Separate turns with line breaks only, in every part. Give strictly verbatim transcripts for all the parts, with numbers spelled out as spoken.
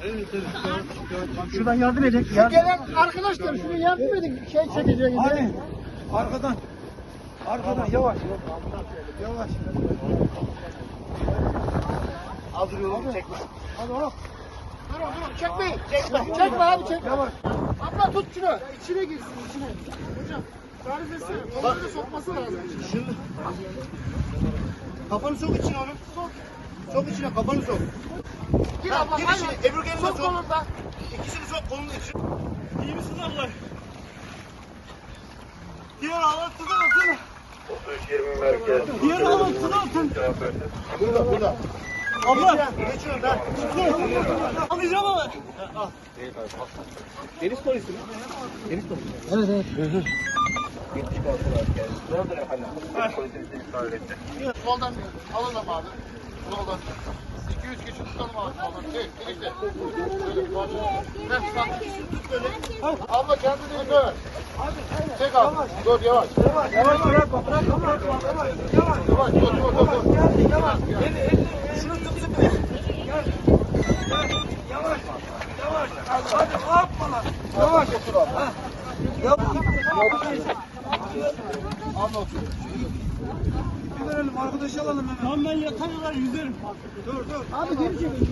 Evet, evet.
Şuradan yardım edin.
Şu gelen arkadaşlar şunu yardım edin. Şey çekecek.
Hadi. Arkadan. Arkadan yavaş. Yavaş.
Hazır yolu çekme. Hadi hop. Dur dur çekmeyin. Çekme. Çekme abi çekme. Yavaş. Abla tut şunu. İçine girsin içine. Hocam. Tarif etsene. Kolunu sokması lazım. Şimdi. Kafanı sok içine oğlum. Sok. Sok içine kafanı sok. Gir abla. Gir içine. Ebru gelin sok. Sok da. İkisini sok kolunun içine.
İyi misin abla? Diğer ağlatını atın.
otuz yirmi merkez.
Diğer ağlatını atın.
Burada burada.
Abla.
Geçiyorum ben.
Alacağım ama.
Deniz polisi mi? Deniz polisi. Evet evet.
Soldan bir alalım abi. Soldan. iki yüz kişi tutalım abi. Soldan. Şey, birlikte. Şöyle, soldan. Heh, bak, ikisini tut böyle. Abla kendini dön. Çek abi. Dur yavaş.
Yavaş yavaş bırakma bırakma bırakma. Yavaş.
Yavaş. Dur dur dur. dur.
Gel yavaş. Gel elini. Şunu tut tut. Gel. Gel. Yavaş. Yavaş. Hadi hoppala. Yavaş otur abi. Ha. Yavaş.
Abla otur.
Bir verelim arkadaşı alalım hemen.
Tamam ben yatarlar yüzerim.
Dur dur.
Abi geri çekin.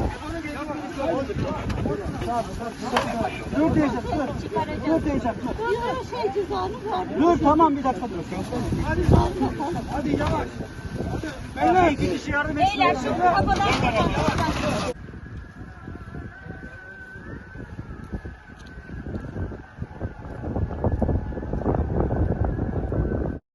Dur diyeceğim dur. Dur diyeceğim dur.
Yok şey cüzdanı var.
Dur tamam bir dakika dur. Hadi hadi yavaş. Hadi. Beyler iki kişi yardım etsin.
Beyler şu kafadan kapatalım.